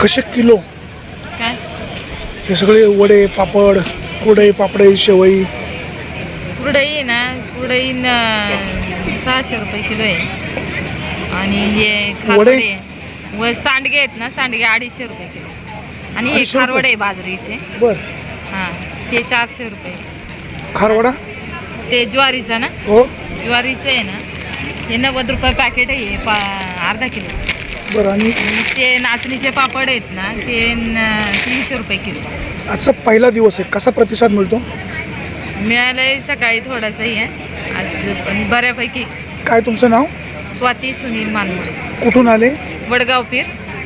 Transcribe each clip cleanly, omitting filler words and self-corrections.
कसे किलो? काय हे सगळे वडे, पापड, कुरडई, पापडे, शेवई. कुरडई ना, कुरडई 600 रुपये किलो आहे. आणि हे खारवडे व सांडगे आहेत ना, सांडगे 250 रुपये किलो. आणि हे 250 रुपये? खारवडे आहे बाजरीचे. बर. हां, हे 400 रुपये. खारवडा ते ज्वारीचा ना, हो. ज्वारीचं आहे ना, हे 90 रुपये पॅकेट आहे. हे अर्धा किलो. बरं. आणि ते नाचणीचे पापड आहेत ना, ते 300 रुपये किलो. आजचा पहिला दिवस आहे, कसा प्रतिसाद मिळतो? मिळालंय सकाळी थोडासाही आहे आज, पण बऱ्यापैकी. काय तुमचं नाव? स्वाती सुनील मानमोडे, कुठून आले? वडगाव पीर.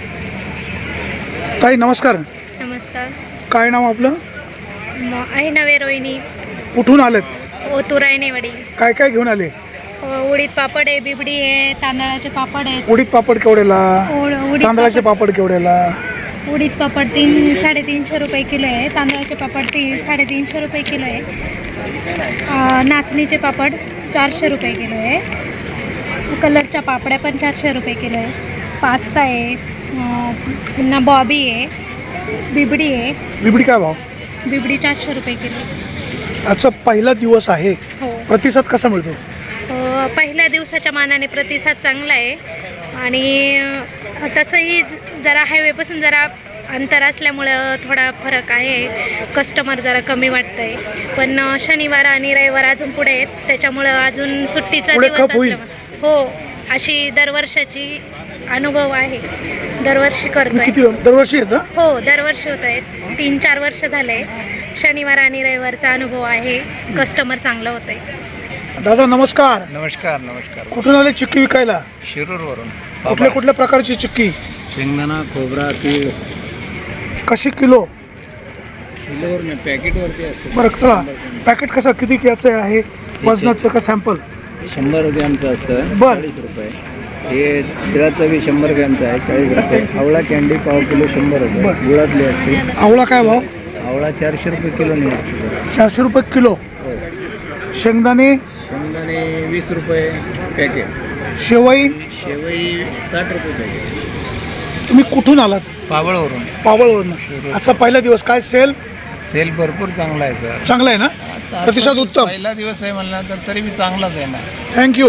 ताई नमस्कार. नमस्कार. काय नाव आपलं? आहे नवे रोहिणी, कुठून आलेत? ओतुरायनेवाडी. काय काय घेऊन आले? उडीद पापड आहे, बिबडी आहे, तांदळाचे पापड आहेत. उडीद पापड केवढ्याला? उडीद तांदळाचे पापड केवढ्याला? उडीद पापड 300-350 रुपये किलो आहे. तांदळाचे पापड 350 रुपये किलो आहे. नाचणीचे पापड 400 रुपये किलो आहे. कलरच्या पापड्या पण 400 रुपये किलो आहे. पास्ता आहे, पुन्हा बॉबी आहे, बिबडी आहे. बिबडी काय भाव? बिबडी 400 रुपये किलो. आजचा पहिला दिवस आहे, हो. प्रतिसाद कसा मिळतो? पहिल्या दिवसाच्या मानाने प्रतिसाद चांगला आहे. आणि तसंही जरा हायवेपासून जरा अंतर असल्यामुळं थोडा फरक आहे. कस्टमर जरा कमी वाटतं आहे. पण शनिवार आणि रविवार अजून पुढे आहेत, त्याच्यामुळं अजून सुट्टीचा पुढे दिवस खप होईल. असल्यामुळे हो, अशी दरवर्षाची अनुभव आहे. दरवर्षी करतोय. किती दरवर्षी येतं? हो, दरवर्षी होत आहेत. 3-4 वर्ष झाले. शनिवार आणि रविवारचा अनुभव आहे. कस्टमर चांगलं होत आहे. दादा नमस्कार. नमस्कार. नमस्कार. कुठून आले चिक्की विकायला? शिरूरवरून. कुठल्या कुठल्या प्रकारची चिक्की? शेंगदाणा, खोबरा, तीळ. कशी किलो? किलोवर नाही, पॅकेटवरती असते. बरं चला, पॅकेट कसं किती याचं आहे? वजनाचं का सॅम्पल? 100 ग्रॅमचं असतं. बरं. 40 रुपये. हे तिळाचं बी 100 ग्रॅमचं आहे, 40 रुपये. आवळा कॅन्डी पाव किलो 100 रुपये. बरं. गुळातली असते. आवळा काय भाव? आवळा 400 रुपये किलो निघतो. 400 रुपये किलो. हो. शेंगदाणे? शेंगदाणे 20 रुपये पॅकेट. शेवई? शेवई 60 रुपये पॅकेट. तुम्ही कुठून आलात? पावळवरून. पावळवरून. आजचा पहिला दिवस, काय सेल? सेल भरपूर चांगला आहे सर. चांगला आहे ना? प्रतिसाद उत्तम. पहिला दिवस आहे म्हणला तर तरी बी चांगलाच आहे ना. थँक्यू.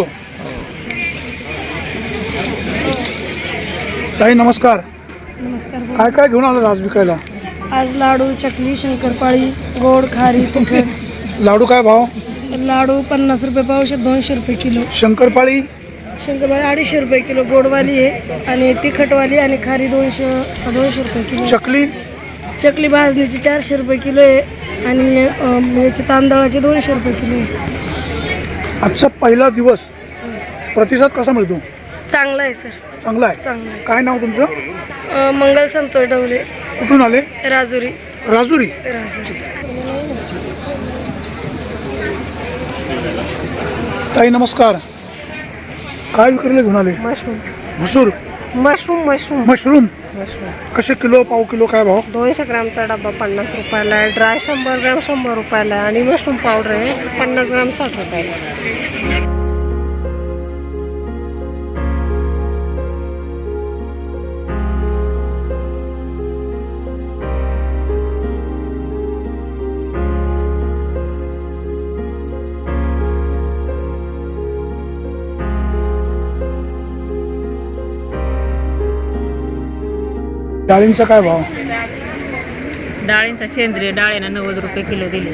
ताई नमस्कार. नमस्कार. काय काय घेऊन आलात आज विकायला? आज लाडू, चकली, शंकरपाळी, गोड, खारी, तिखट. लाडू काय भाव? लाडू 50 रुपये पावशेर, 200 रुपये किलो. शंकरपाळी? शंकरपाळी 250 रुपये किलो. गोडवाली आहे आणि तिखटवाली आणि खारी 200 रुपये किलो. चकली? चकली भाजणीची 400 रुपये किलो आहे आणि याची तांदळाची 200 रुपये किलो आहे. आजचा पहिला दिवस, प्रतिसाद कसा मिळतो? चांगला आहे सर. चांगला आहे. चांगला आहे. काय नाव तुमचं? मंगल संतोष डवले, कुठून आले? राजुरी. राजुरी. ताई नमस्कार. काय विक्रीला घेऊन आले? मशरूम. मसूर? मशरूम. मशरूम. मशरूम मशरूम कसे किलो, पाव किलो काय भाव? 200 ग्रामचा डब्बा 50 रुपयाला आहे. ड्राय 100 ग्राम 100 रुपयाला आहे आणि मशरूम पावडर आहे 50 ग्राम 60 रुपयाला आहे. डाळींचा काय भाव? डाळींचा सेंद्रिय डाळींना 90 रुपये किलो दिले.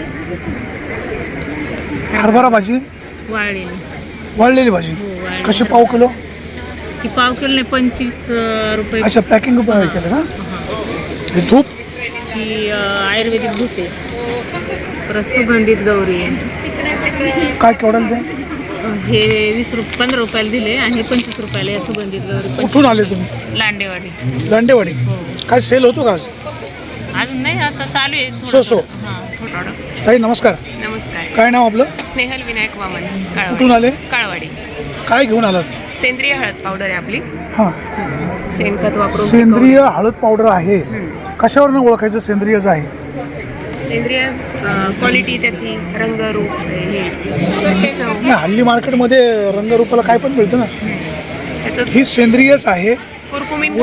हरभरा भाजी? वाळलेली. वाळलेली भाजी वाळलेली. कशी पाव किलो? ती पाव किलो 25 रुपये. अच्छा, पॅकिंग केलं का? हे धूप? ही आयुर्वेदिक धूप आहे. परत सुगंधित गौरी आहे. काय केवढ्याला ते? हे 15 रुपयाला दिले आणि हे 25 रुपयाला या सुगंधित गौरी. कुठून आले तुम्ही? लांडेवाडी. लांडेवाडी. काय सेल होतो का आज? अजून नाही, आता चालू आहे सो. थोडं. ताई नमस्कार. नमस्कार. काय नाव आपलं? स्नेहल विनायक वामन, कुठून आले? काळवाडी. काय घेऊन आलात? सेंद्रिय हळद पावडर आहे आपली. हां, शेणखत वापरून सेंद्रिय हळद पावडर आहे. कशावरनं ओळखायचं सेंद्रियच आहे? सेंद्रिय क्वालिटी त्याची, रंगरूप हे चव. नाही, हल्ली मार्केटमध्ये रंगरूपाला काय पण मिळतं ना. त्याचं ही सेंद्रियच आहे. कुरकुमीन घटक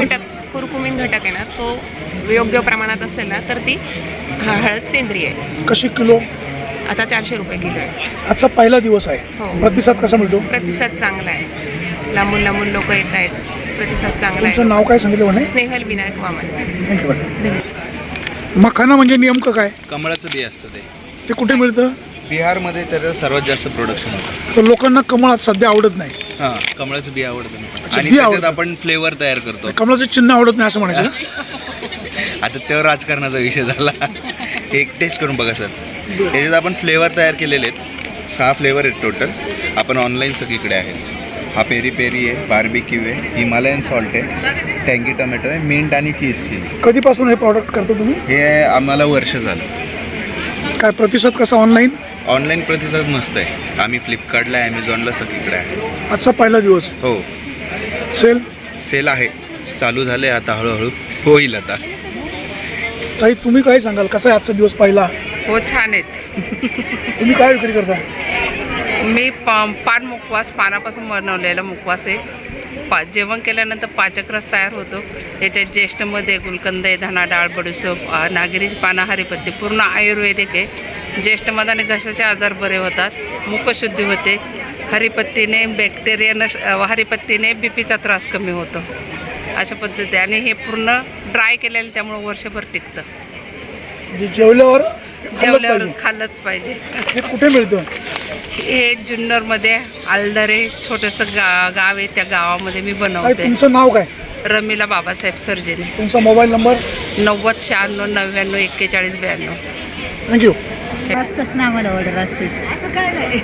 कुरकुमीन घटक आहे ना तो योग्य प्रमाणात असेल ना तर ती हळद सेंद्रिय आहे. कशी किलो? आता 400 रुपये किलो आहे. आजचा पहिला दिवस आहे, हो. प्रतिसाद कसा मिळतो? प्रतिसाद चांगला आहे. लांबून लांबून लोक येत आहेत. प्रतिसाद चांगला तुमचं आहे. नाव काय सांगितलं म्हणे? स्नेहल विनायक वामन. Thank you madam. मखाना म्हणजे नेमकं काय? कमळाचं बी असतं ते कुठे मिळतं? बिहारमध्ये त्याचं सर्वात जास्त प्रोडक्शन होतं. तर लोकांना कमळ सध्या आवडत नाही. हां, कमळाचं बी आवडतं ना. अच्छा, आणि बी त्याच्यात आवडतं. आपण फ्लेवर तयार करतो. कमळाचं चिन्ह आवडत नाही असं म्हणायचं? आता तेव्हा राजकारणाचा विषय झाला. एक टेस्ट करून बघा सर. त्याच्यात आपण फ्लेवर तयार केलेले आहेत. 6 फ्लेवर आहेत टोटल. आपण ऑनलाईन सगळीकडे आहेत. हा पेरी पेरी आहे, बार्बिक्यू आहे, हिमालयन सॉल्ट आहे, टँगी टोमॅटो आहे, मिंट आणि चीज चिली. कधीपासून हे प्रॉडक्ट करतो तुम्ही? हे आम्हाला वर्ष झालं. काय प्रतिसाद कसा ऑनलाईन? ऑनलाईन प्रतिसाद मस्त आहे. आम्ही फ्लिपकार्टला, ॲमेझॉनला सगळीकडे आहे. आजचा पहिला दिवस हो, सेल आहे, चालू झाले आता, हळूहळू होईल आता. ताई तुम्ही काय सांगाल, कसा आहे आजचा दिवस पहिला? हो, छान आहेत. तुम्ही काय विक्री करता? मी पान मुखवास, पानापासून बनवलेला मुखवास आहे. जेवण केल्यानंतर पाचक रस तयार होतो. याच्यात ज्येष्ठमध्ये गुलकंद आहे, धना डाळ, बडीशोप, नागरीची पानं, हरिपत्ती, पूर्ण आयुर्वेदिक आहे. ज्येष्ठमध्ये घशाचे आजार बरे होतात, मुखशुद्धी होते. हरिपत्तीने हरिपत्तीने बीपीचा त्रास कमी होतो. अशा पद्धती. आणि हे पूर्ण ड्राय केलेलं त्यामुळे वर्षभर टिकतं. म्हणजे जेवल्यावर जेवल्यावर खाल्लंच पाहिजे. हे कुठे मिळतं? हे जुन्नरमध्ये आलदरे छोटंसं गाव आहे, त्या गावामध्ये मी ताई बनवते. तुमचं नाव काय? रमीला बाबासाहेब सर्जेने. तुमचा मोबाईल नंबर? 90 96 99 41 92. थँक्यू. असतंच ना आम्हाला ऑर्डर असते. असं काय नाही.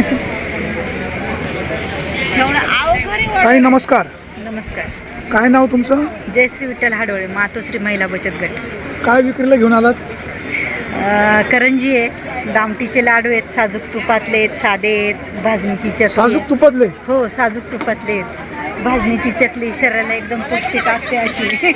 एवढं अवघड. ताई नमस्कार. नमस्कार. काय नाव तुमचं? जयश्री विठ्ठल हाडोळे, मातोश्री महिला बचत गट. काय विक्रीला घेऊन आलात? करंजी आहे, दामटीचे लाडू आहेत, साजूक तुपातले आहेत, साधे आहेत, भाजणीची चकली. साजूक तुपातले? हो, साजूक तुपातले आहेत. भाजणीची चकली शरीराला एकदम पौष्टिक असते अशी.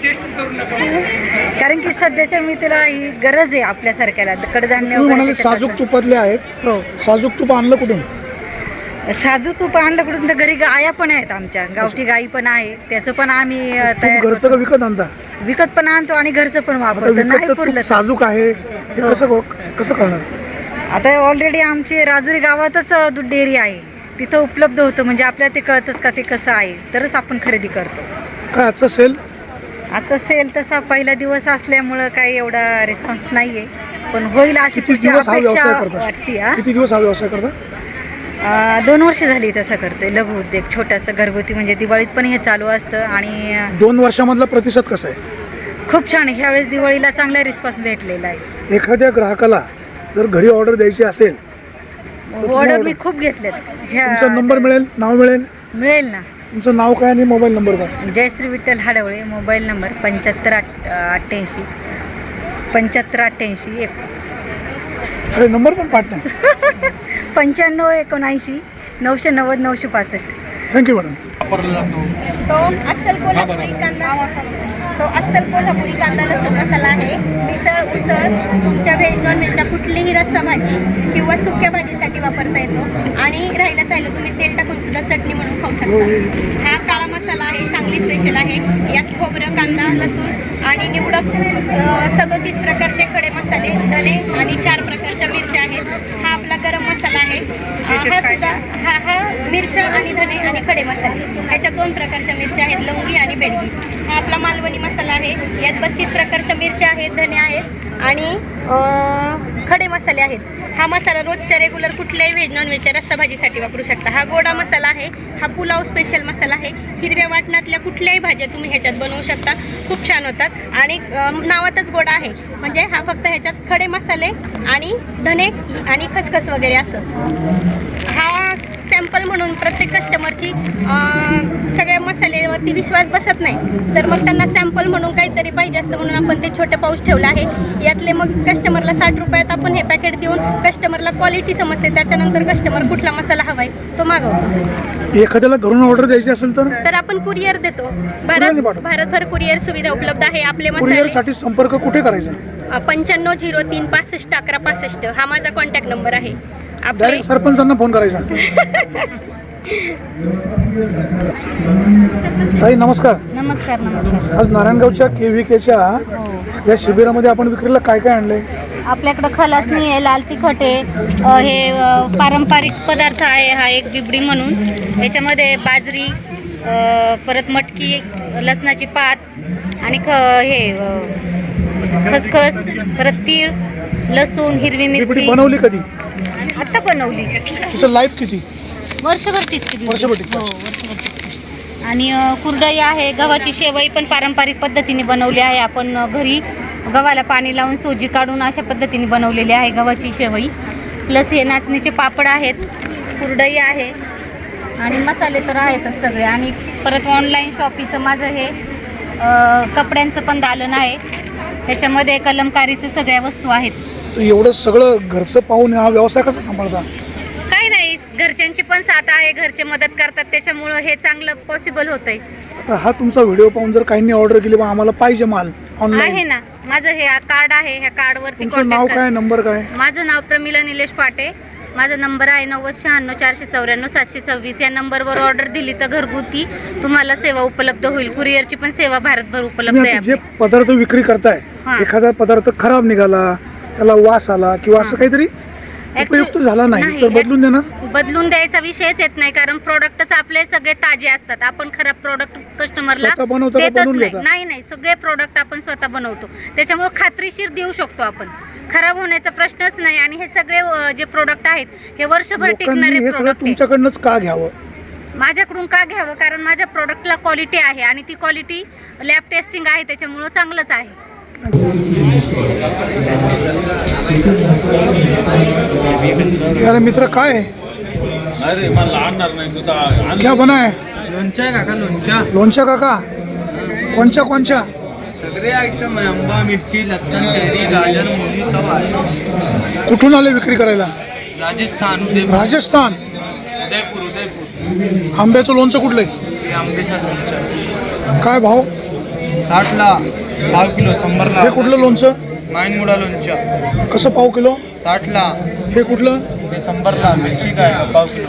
कारण की सध्याच्या मितीला ही गरज आहे आपल्यासारख्याला. कडधान्य तुम्ही म्हणाले वगैरे साजूक त्याच्यात तुपातले आहेत. हो, साजूक तुप आणलं कुठून? साजूक तूप आणलं कुठून? तर घरी गाया पण आहेत आमच्या, गावठी गाई पण आहे. त्याचं पण आम्ही तयार तूप घरचं का विकत आणता? विकत पण आणतो आणि घरचं पण आता वापरतो. नाही विकतचं पुरलं तूप तर. साजूक आहे, हे कसं करणार? आता ऑलरेडी आमची राजुरी गावातच दूध डेअरी आहे, तिथं उपलब्ध होतं. म्हणजे आपल्याला ते कळतंच का ते कसं आहे, तरच आपण खरेदी करतो. काय आजचा सेल? आता सेल तसा पहिला दिवस असल्यामुळं काही एवढा रिस्पॉन्स नाही आहे, पण होईल अशी किती पुढची दिवस हा व्यवसाय अपेक्षा करता? वाटते. किती दिवस हा व्यवसाय करता? 2 वर्ष झाली तसं करतोय. लघु उद्योग छोटासा घरगुती, म्हणजे दिवाळीत पण हे चालू असतं. आणि 2 वर्षामधला प्रतिसाद कसा आहे? खूप छान आहे. ह्यावेळेस दिवाळीला चांगला रिस्पॉन्स भेटलेला आहे. एखाद्या ग्राहकाला जर घरी ऑर्डर द्यायची असेल, ऑर्डर मी खूप घेतलेत. तुमचा नंबर मिळेल, नाव मिळेल? मिळेल ना. तुमचं नाव काय आणि मोबाईल नंबर काय? Jayashree Vitthal Hadwale, mobile number 7588 7588 1. अरे नंबर पण पाठ नाही. 9579 990 965. Thank you madam. तो अस्सल कोल्हापुरी कांदा लसूण मसाला आहे. मिसळ, उसळ, तुमच्या व्हेज नॉन व्हेजच्या कुठलीही रस्सा भाजी किंवा सुक्या भाजीसाठी वापरता येतो. आणि राहिलं साहिलं तुम्ही तेल टाकून सुद्धा चटणी म्हणून खाऊ शकता. हा काळा मसाला आहे, सांगली स्पेशल आहे. यात खोबरं, कांदा, लसूण आणि निवडक 37 प्रकारचे खडे मसाले, धने आणि 4 प्रकारच्या मिरच्या आहेत. हा आपला गरम मसाला आहे. हा सुद्धा हा मिरच्या आणि धने आणि खडे मसाले, ह्याच्या 2 प्रकारच्या मिरच्या आहेत, लवंगी आणि बेडगी. हा आपला मालवणी मसाला आहे. यात 32 प्रकारच्या मिरच्या आहेत, धने आहेत आणि खडे मसाले आहेत. हा मसाला रोजच्या रेग्युलर कुठल्याही व्हेज नॉन व्हेजच्या रस्सा भाजीसाठी वापरू शकता. हा गोडा मसाला आहे. हा पुलाव स्पेशल मसाला आहे. हिरव्या वाटणातल्या कुठल्याही भाज्या तुम्ही ह्याच्यात बनवू शकता, खूप छान होतात. आणि नावातच गोडा आहे, म्हणजे हा फक्त ह्याच्यात खडे मसाले आणि धने आणि खसखस वगैरे असं. हा सॅम्पल म्हणून प्रत्येक कस्टमरची सगळ्या मसाल्यावरती विश्वास बसत नाही, तर मग त्यांना सॅम्पल म्हणून काहीतरी पाहिजे असतं म्हणून आपण ते छोटे पाऊच ठेवलं आहे. यातले मग कस्टमरला 60 रुपयात आपण हे पॅकेट देऊन कस्टमरला क्वालिटी समजते. त्याच्यानंतर कस्टमर कुठला मसाला हवाय तो मागवतो. एखाद्याला घरून ऑर्डर द्यायची असेल तर आपण कुरिअर देतो. भारतभर कुरिअर सुविधा उपलब्ध आहे. आपले कुरिअरसाठी संपर्क कुठे करायचा? 95 03 65 11 65 हा माझा कॉन्टॅक्ट नंबर आहे. डायरेक्ट सरपंचांना फोन करायचा. ताई नमस्कार. नमस्कार नमस्कार. आज नारायणगावच्या KVKच्या या शिबिरामध्ये आपण विक्रीला काय काय आणलंय? आपल्याकडं खलासणी आहे, लाल तिखट आहे, हे पारंपरिक पदार्थ आहे. हा एक बिबडी म्हणून, याच्यामध्ये बाजरी, परत मटकी, लसणाची पात आणि खसखस, परत तीळ, लसूण, हिरवी बिबडी मिरची. बनवली कधी? आत्ता बनवली. तुझं लाईफ किती? वर्षभर टिकते. वर्षभर टिकते. हो, वर्षभर टिकते. आणि कुरडई आहे, गव्हाची शेवई पण पारंपरिक पद्धतीने बनवली आहे. आपण घरी गव्हाला पाणी लावून सोजी काढून अशा पद्धतीने बनवलेली आहे गव्हाची शेवई. प्लस हे नाचणीचे पापड आहेत, कुरडई आहे आणि मसाले तर आहेतच सगळे. आणि परत ऑनलाईन शॉपिंगचं माझं हे कपड्यांचं पण दालन आहे, त्याच्यामध्ये कलमकारीचं सगळ्या वस्तू आहेत. तर एवढं सगळं घरचं पाहून हा व्यवसाय कसा सांभाळता? काही नाही, घरच्यांची पण साथ आहे, घरचे मदत करतात, त्याच्यामुळं हे चांगलं पॉसिबल होतंय. आता हा तुमचा व्हिडिओ पाहून जर काहींनी ऑर्डर केली बा आम्हाला पाहिजे माल आहे ऑनलाईन, ना, माझं हे कार्ड आहे, ह्या कार्डवरती तुमचं नाव काय, नंबर काय? माझं नाव प्रमिला निलेश पाटे. माझा नंबर आहे 9096 494 726. या नंबरवर ऑर्डर दिली तर घरगुती तुम्हाला सेवा उपलब्ध होईल. कुरिअरची पण सेवा भारतभर उपलब्ध तुम्ही आहे. आता जे पदार्थ विक्री करताय, हां. एखादा पदार्थ खराब निघाला, त्याला वास आला किंवा असं काहीतरी उपयुक्त झाला नाही तर बदलून देणार? बदलून द्यायचा विषयच येत नाही, कारण प्रोडक्टच आपले सगळे ताजे असतात. आपण खराब प्रोडक्ट कस्टमरला स्वतः बनवता का देतच बनवून नाही. घेता? नाही, सगळे प्रोडक्ट आपण स्वतः बनवतो, त्याच्यामुळे खात्रीशीर देऊ शकतो आपण. खराब होण्याचा प्रश्नच नाही. आणि हे सगळे जे प्रोडक्ट आहेत हे वर्षभर लोकांनी टिकणारे हे सगळं प्रोडक्ट. तुमच्याकडनंच का घ्यावं? माझ्याकडून का घ्यावं? कारण माझ्या प्रोडक्टला क्वालिटी आहे आणि ती क्वालिटी लॅब टेस्टिंग आहे, त्याच्यामुळं चांगलंच आहे. यार मित्र काय आहे? अरे मला आणणार नाही तुझा क्या बना है? लोणच्या काका, लोणच्या लोणच्या काका? कोणच्या? सगळे आयटम आहे. आंबा, मिरची, लसण, कैरी, गाजर, मुली सब आहे. कुठून आले विक्री करायला? राजस्थान, राजस्थान. उदयपूर. आंब्याचं लोणचं कुठलंय? हे आंबेचा लोणच्या काय भाव? 60ला पाव किलो, 100ला. हे कुठलं लोणचं? माईनमुळा लोणच्या कसं पाव किलो? 60ला. हे कुठलं? हे 100ला. मिरची काय पाव किलो.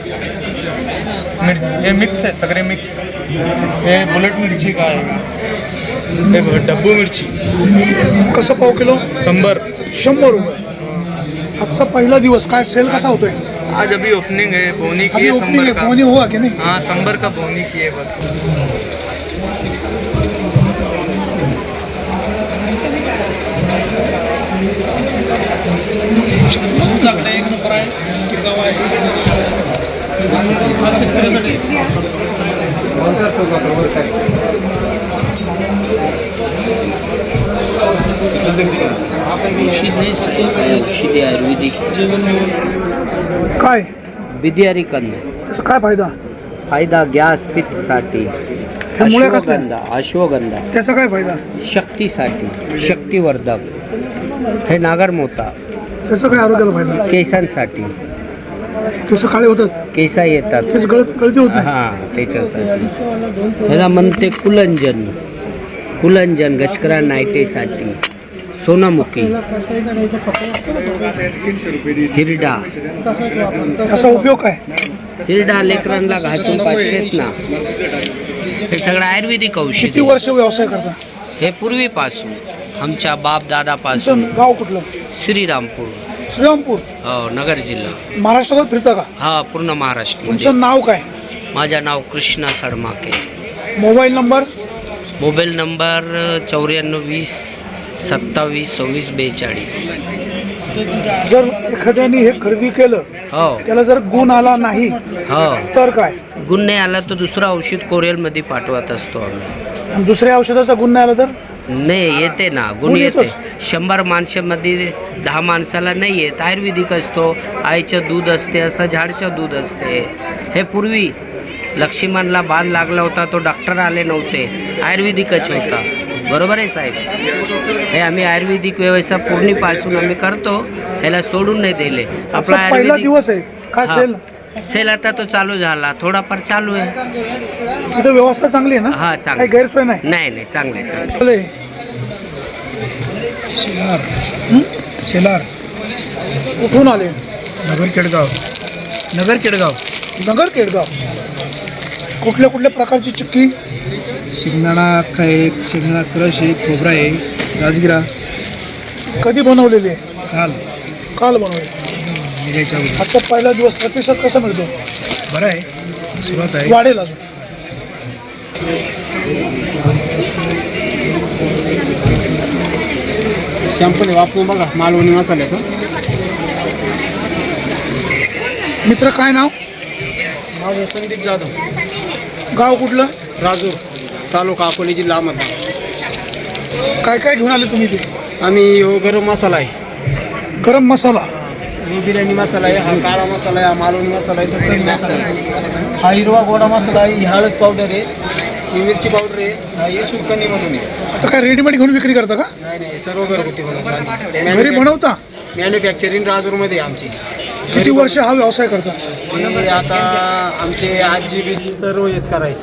हे मिक्स आहे, सगळे मिक्स. हे बुलेट मिरची काय, हे डब्बू मिरची कसं पाव किलो? 100 रुपये. आजचा पहिला दिवस, काय सेल कसा होतोय? आज अभी ओपनिंग है, बोनी की अभी है, ओपनिंग है, 100 का. कोणी हुआ की नहीं? हाँ, 100 का बोनी की है बस. तुमच्याकडे एक नंबर आहे, टिकाऊ आहे. हा शेतकऱ्यासाठी काय बिदियारी कंद. त्याचा काय फायदा? फायदा गॅस पित्तसाठी, हे मुळे कसले? अश्वगंधा त्याचा काय फायदा? शक्तीसाठी, शक्तिवर्धक. हे नागरमोता त्याचा काय आरोग्याला फायदा? केसांसाठी, केस काळे होतात, केसा येतात, केस गळती होत नाही. हां त्याच्यासाठी. ह्याला म्हणते कुलंजन गचकरा नायटेसाठी. सोनामुखी, हिरडा. त्याचा उपयोग काय? हिरडा लेकरांना घासून पाचतेत ना. हे सगळं आयुर्वेदिक किती औषधी. वर्ष व्यवसाय करता? हे पूर्वीपासून आमच्या बाप दादापासून. तुमचं गाव कुठलं? श्रीरामपूर, श्रीरामपूर. नगर जिल्हा. महाराष्ट्रात फिरता का? हा, पूर्ण महाराष्ट्र. तुमचं नाव काय? माझं नाव Krishna Sadmake. Mobile number? Mobile number 94 20 27 26 42. जर एखाद्याने हे खरेदी केलं, हो त्याला जर गुण आला नाही हो. तर काय? गुण नाही आला तर दुसरं औषध कोरियलमध्ये पाठवत असतो आम्ही. आणि दुसऱ्या औषधाचा गुण नाही आला तर? नाही येते ना, गुण गुण येते. येतोच. 100 माणसामध्ये 10 माणसाला नाही येत. आयुर्वेदिक असतो, आईचं दूध असते, असं झाडचं दूध असते. हे पूर्वी लक्ष्मणला बाण लागला होता, तो डॉक्टर आले नव्हते, आयुर्वेदिकच होता. बरोबर आहे साहेब? हे आम्ही आयुर्वेदिक व्यवसाय पूर्णीपासून आम्ही करतो, ह्याला सोडून नाही दिले. आपला पहिला दिवस आहे काय हा. सेल? सेल आता तो चालू झाला, थोडाफार चालू आहे. इथं व्यवस्था चांगली आहे ना? हा काही चांगलं. गैरसोय नाही? नाही चांगले चांगले. चले. कुठून आले? नगर केडगाव. नगर केडगाव. कुठल्या कुठल्या प्रकारची चिक्की? शेंगदाणा अख्खा एक, शेंगदाणा क्रश एक, खोबरा आहे, राजगिरा. कधी बनवलेली आहे? काल काल बनवली. निघायच्या अगोदर. आजचा पहिला दिवस प्रतिसाद कसा मिळतो? बरं आहे, सुरुवात आहे. वाढेल अजून. शॅम्पल वापरून बघा मालवणी मसाल्याचं. मित्र काय नाव? माझं संदीप जाधव, गाव कुठलं? राजूर तालुका अकोले जिल्हा अहमदनगर. काय काय घेऊन आले तुम्ही ते? आम्ही गरम मसाला आहे, गरम मसाला, बिर्याणी मसाला आहे, हा काळा मसाला आहे, हा मालवणी मसाला आहे, तंदुरी मसाला आहे, हा हिरवा गोडा मसाला आहे, ही हळद पावडर आहे, ही मिरची पावडर आहे, हा ही सुरकणीमधून आहे. आता काय रेडीमेड घेऊन विक्री करता का? नाही सर्व घरगुती घरी बनवता? मॅन्युफॅक्चरिंग राजूरमध्ये आहे आमची. किती वर्ष हा व्यवसाय करता? हे आता आमचे आजी बिजी सर्व हेच करायची.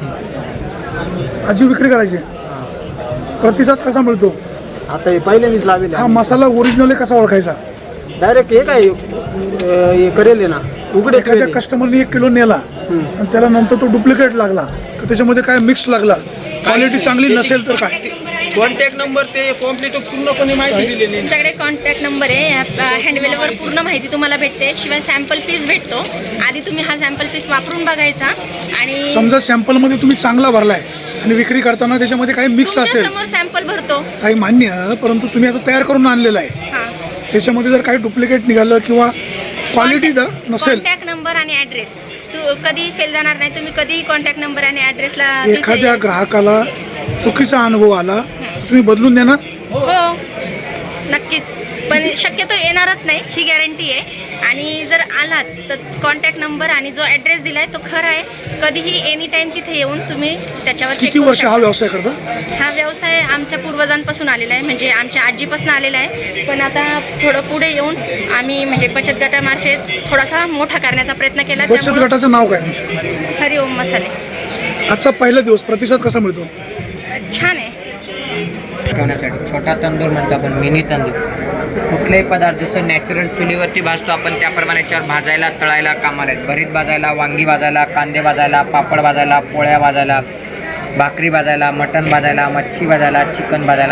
आजी विक्री करायची. प्रतिसाद कसा मिळतो? आता हे पहिल्यांदाच लावेल. हा मसाला ओरिजिनल कसा ओळखायचा? डायरेक्ट हे काय हे करेल ना, उघडे एखाद्या कस्टमरने 1 किलो नेला आणि त्याला नंतर तो डुप्लिकेट लागला तर त्याच्यामध्ये काय मिक्स लागला, क्वालिटी चांगली नसेल तर काय? कॉन्टॅक्ट नंबर ते कॉम्प्लीट पूर्णपणे माहिती दिलेली आहे. तुमच्याकडे कॉन्टॅक्ट नंबर आहे, हँडवेलवर पूर्ण माहिती तुम्हाला भेटते, शिवाय सॅम्पल पीस भेटतो. आधी तुम्ही हा सॅम्पल पीस वापरून बघायचा आणि समजा सॅम्पलमध्ये तुम्ही चांगला भरलाय आणि विक्री करताना त्याच्यामध्ये काही मिक्स असेल, समोर सॅम्पल भरतो. काही मान्य, परंतु तुम्ही आता तयार करून आणलेलं आहे, हां, त्याच्यामध्ये जर काही डुप्लिकेट निघालं किंवा क्वालिटी जर नसेल, कॉन्टॅक्ट नंबर आणि ॲड्रेस तू कधी फेल जाणार नाही. तुम्ही कधी कॉन्टॅक्ट नंबर आणि ॲड्रेसला एखाद्या ग्राहकाला चुकीचा अनुभव आला तुम्ही बदलून देणार? हो नक्कीच, पण शक्यतो येणारच नाही ही गॅरंटी आहे. आणि जर आलाच तर कॉन्टॅक्ट नंबर आणि जो ॲड्रेस दिला आहे तो खरा आहे. कधीही एनी टाईम तिथे येऊन तुम्ही त्याच्यावर check किती करू वर्ष हा शकता. व्यवसाय करता? हा व्यवसाय आमच्या पूर्वजांपासून आलेला आहे, म्हणजे आमच्या आजीपासून आलेला आहे. पण आता थोडं पुढे येऊन आम्ही म्हणजे बचत गटामार्फत थोडासा मोठा करण्याचा प्रयत्न केला. बचत त्यामुळं गटाचं नाव काय तुमचं? हरिओम मसाले. आजचा पहिला दिवस प्रतिसाद कसा मिळतो? छान आहे. ठेवण्यासाठी छोटा तंदूर म्हणतो आपण, मिनी तंदूर. कुठलेही पदार्थ जसं नॅचरल चुलीवरती भाजतो आपण त्याप्रमाणे याच्यावर भाजायला तळायला कामाला आहेत. भरीत भाजायला, वांगी भाजायला, कांदे भाजायला, पापड भाजायला, पोळ्या भाजायला, भाकरी भाजायला, मटण भाजायला, मच्छी भाजायला, चिकन भाजायला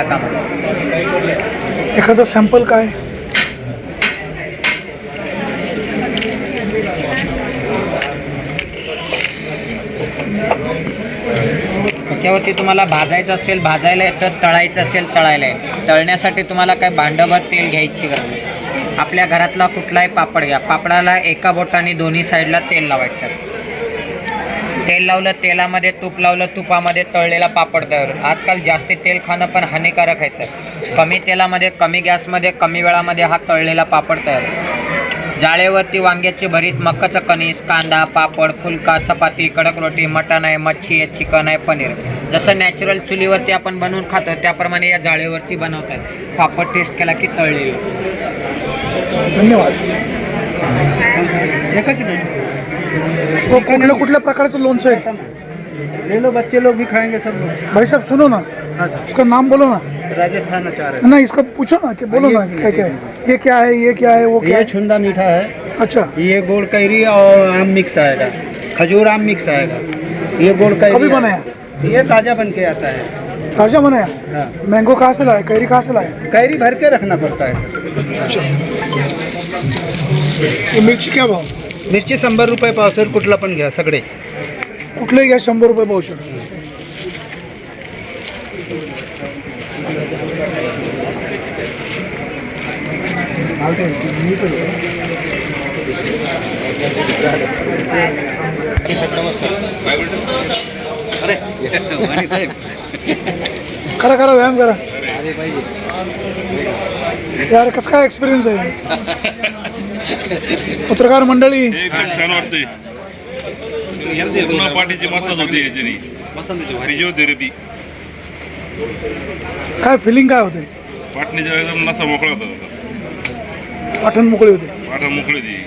कामाला. एखादं सॅम्पल काय? त्याच्यावरती तुम्हाला भाजायचं असेल भाजायला येतं, तळायचं असेल तळायला येतं. तळण्यासाठी तुम्हाला काय भांडभर तेल घ्यायची गरज नाही. आपल्या घरातला कुठलाही पापड घ्या, पापडाला एका बोटाने दोन्ही साईडला तेल लावायचं. तेल लावलं, तेलामध्ये तूप लावलं, तुपामध्ये तळलेला पापड तयार होईल. आजकाल जास्ती तेल खाणं पण हानिकारक आहे सर. कमी तेलामध्ये, कमी गॅसमध्ये, कमी वेळामध्ये हा तळलेला पापड तयार होईल. जाळेवरती वांग्याचे भरीत, मकाचं कणीस, कांदा, पापड, फुलका, चपाती, कडक रोटी, मटण आहे, मच्छी आहे, चिकन आहे, पनीर. जसं नॅचरल चुलीवरती आपण बनवून खातो त्याप्रमाणे या जाळेवरती बनवतात. पापड टेस्ट केला की तळलेली. धन्यवाद. हो, कुठल्या कुठल्या प्रकारचं लोणचं आहे? ले लो, बच्चे लोग भी खाएंगे सब लोग. भाई साहब सुनो ना, हाँ सर, उसका नाम बोलो ना. राजस्थान अचार है. ना इसका पूछो ना कि बोलो ना क्या क्या है, ये क्या है, ये क्या है, वो क्या ये है? छुंदा मीठा है, अच्छा, ये गोड़ कैरी और आम मिक्स आएगा, खजूर आम मिक्स आएगा. ये गोड़ कैरी कभी बनाया? ये ताज़ा बन के आता है. ताजा बनाया? हाँ, मैंगो कहाँ से लाया, कैरी कहाँ से लाया? कैरी भर के रखना पड़ता है सर. अच्छा, ये मिरची क्या भाव? मिरची 100 रुपये पावसर. कुठला पण घ्या, सगळे कुठलंही घ्या 100 रुपये पावशेर. करा करा, व्यायाम करा यार. कसं काय एक्सपिरियन्स आहे? पत्रकार मंडळी, एकदम छान वाटतंय. पूर्ण पाठीची मसाज होते याच्याने, फिजिओथेरपी. काय फिलिंग काय होते? पाठणीच्या एकदम नसा मोकळा होता, पाठण मोकळे होते. पाठा मोकळी होती.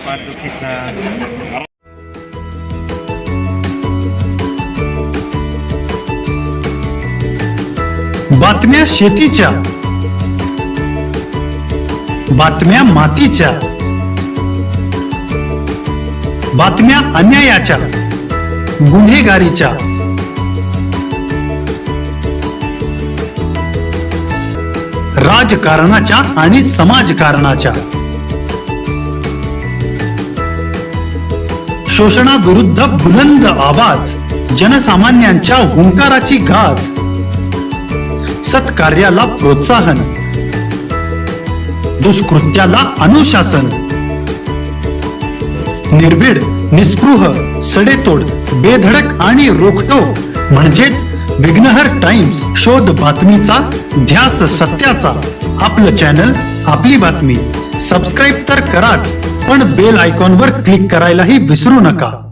बातम्या शेतीच्या, बातम्या मातीच्या, बातम्या अन्यायाच्या, गुन्हेगारीच्या, राजकारणाच्या आणि समाजकारणाच्या, शोषणाविरुद्ध बुलंद आवाज, जनसामान्यांच्या हुंकाराची गाज, सत्कार्याला प्रोत्साहन, दुष्कृत्याला अनुशासन, निर्भीड, निस्पृह, सडेतोड, बेधडक आणि रोखठोक म्हणजेच विघ्नहर टाइम्स. शोध बातमीचा, ध्यास सत्याचा. आपलं चॅनल, आपली बातमी. सबस्क्राईब तर कराच, पण बेल आयकॉनवर क्लिक करायलाही विसरू नका.